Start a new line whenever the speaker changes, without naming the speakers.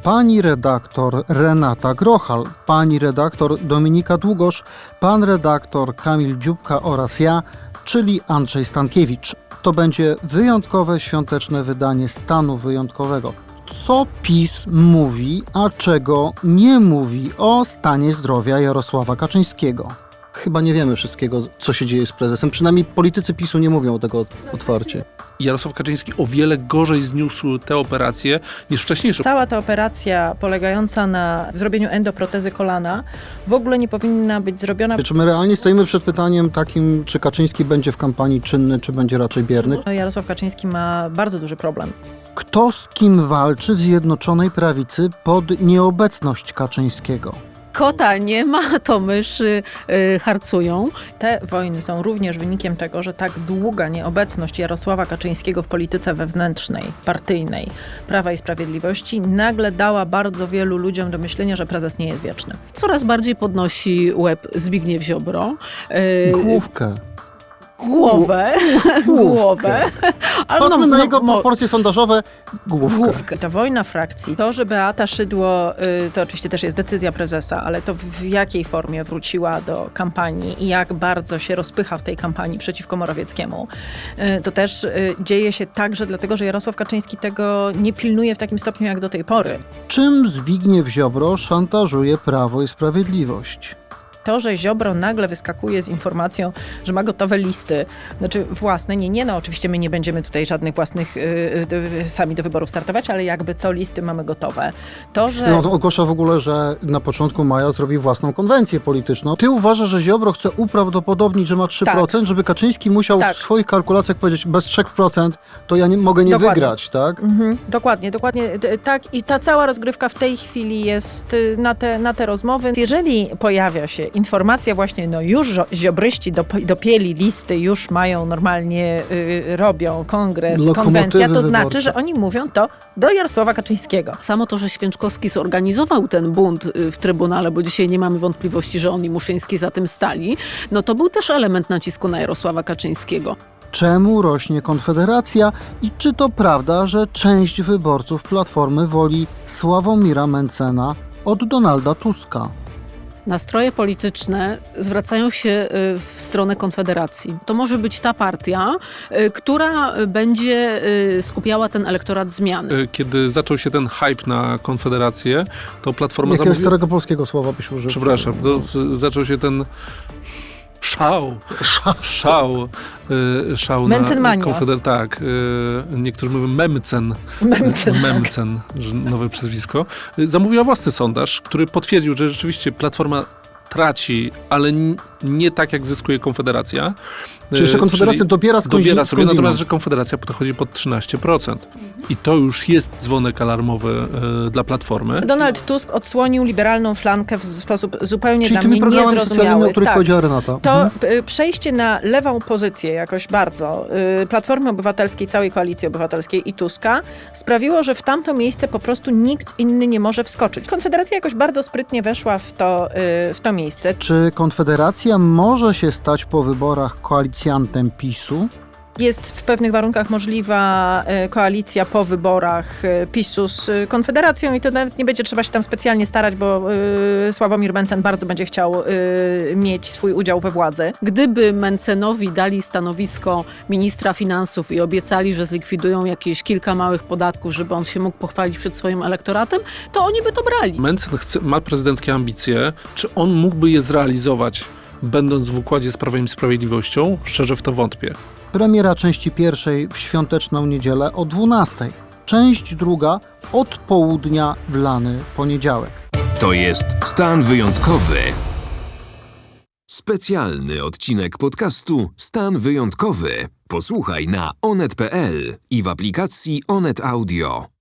pani redaktor Renata Grochal, pani redaktor Dominika Długosz, pan redaktor Kamil Dziubka oraz ja, czyli Andrzej Stankiewicz. To będzie wyjątkowe świąteczne wydanie Stanu Wyjątkowego. Co PiS mówi, a czego nie mówi o stanie zdrowia Jarosława Kaczyńskiego? Chyba nie wiemy wszystkiego, co się dzieje z prezesem. Przynajmniej politycy PiS-u nie mówią tego otwarcie.
Jarosław Kaczyński o wiele gorzej zniósł tę operację niż wcześniejsze.
Cała ta operacja polegająca na zrobieniu endoprotezy kolana w ogóle nie powinna być zrobiona.
Czy my realnie stoimy przed pytaniem takim, czy Kaczyński będzie w kampanii czynny, czy będzie raczej bierny?
Jarosław Kaczyński ma bardzo duży problem.
Kto z kim walczy w Zjednoczonej Prawicy pod nieobecność Kaczyńskiego?
Kota nie ma, to myszy harcują.
Te wojny są również wynikiem tego, że tak długa nieobecność Jarosława Kaczyńskiego w polityce wewnętrznej, partyjnej Prawa i Sprawiedliwości nagle dała bardzo wielu ludziom do myślenia, że prezes nie jest wieczny.
Coraz bardziej podnosi łeb Zbigniew Ziobro.
Główkę.
Głowę. Ale
Patrzmy na jego proporcje sondażowe. Główkę.
Ta wojna frakcji, to, że Beata Szydło, to oczywiście też jest decyzja prezesa, ale to w jakiej formie wróciła do kampanii i jak bardzo się rozpycha w tej kampanii przeciwko Morawieckiemu, to też dzieje się także dlatego, że Jarosław Kaczyński tego nie pilnuje w takim stopniu jak do tej pory.
Czym Zbigniew Ziobro szantażuje Prawo i Sprawiedliwość?
To, że Ziobro nagle wyskakuje z informacją, że ma gotowe listy, znaczy własne, no oczywiście my nie będziemy tutaj żadnych własnych sami do wyborów startować, ale jakby co, listy mamy gotowe. To, że...
No to ogłasza w ogóle, że na początku maja zrobi własną konwencję polityczną. Ty uważasz, że Ziobro chce uprawdopodobnić, że ma 3%, żeby Kaczyński musiał w swoich kalkulacjach powiedzieć, bez 3% to ja mogę nie wygrać, tak?
Dokładnie tak. I ta cała rozgrywka w tej chwili jest na te rozmowy. Jeżeli pojawia się informacja właśnie, już ziobryści dopięli listy, już mają normalnie, robią kongres, konwencja, to znaczy, że oni mówią to do Jarosława Kaczyńskiego.
Samo to, że Święczkowski zorganizował ten bunt w Trybunale, bo dzisiaj nie mamy wątpliwości, że on i Muszyński za tym stali, no to był też element nacisku na Jarosława Kaczyńskiego.
Czemu rośnie Konfederacja i czy to prawda, że część wyborców Platformy woli Sławomira Mentzena od Donalda Tuska?
Nastroje polityczne zwracają się w stronę Konfederacji. To może być ta partia, która będzie skupiała ten elektorat zmiany.
Kiedy zaczął się ten hype na Konfederację, to Platforma
Jakiegoś starego polskiego słowa byś użył?
Przepraszam, zaczął się ten szał na Konfederację. Tak, niektórzy mówią memcen, że nowe przezwisko. Zamówiła własny sondaż, który potwierdził, że rzeczywiście Platforma traci, ale nie tak jak zyskuje Konfederacja.
Czyli jeszcze Konfederacja dobiera
sobie, natomiast że Konfederacja podchodzi pod 13%. I to już jest dzwonek alarmowy dla Platformy.
Donald Tusk odsłonił liberalną flankę w sposób zupełnie
czyli
dla mnie niezrozumiały.
O których powiedziała Renata.
To przejście na lewą pozycję jakoś bardzo Platformy Obywatelskiej, całej Koalicji Obywatelskiej i Tuska sprawiło, że w tamto miejsce po prostu nikt inny nie może wskoczyć. Konfederacja jakoś bardzo sprytnie weszła w to miejsce.
Czy Konfederacja może się stać po wyborach koalicjantem PiS-u?
Jest w pewnych warunkach możliwa koalicja po wyborach PiS-u z Konfederacją i to nawet nie będzie trzeba się tam specjalnie starać, bo Sławomir Mentzen bardzo będzie chciał mieć swój udział we władzy.
Gdyby Mentzenowi dali stanowisko ministra finansów i obiecali, że zlikwidują jakieś kilka małych podatków, żeby on się mógł pochwalić przed swoim elektoratem, to oni by to brali.
Mentzen ma prezydenckie ambicje. Czy on mógłby je zrealizować, będąc w układzie z Prawem i Sprawiedliwością? Szczerze w to wątpię.
Premiera części pierwszej w świąteczną niedzielę o 12:00. Część druga od południa w lany poniedziałek.
To jest Stan Wyjątkowy. Specjalny odcinek podcastu Stan Wyjątkowy. Posłuchaj na onet.pl i w aplikacji Onet Audio.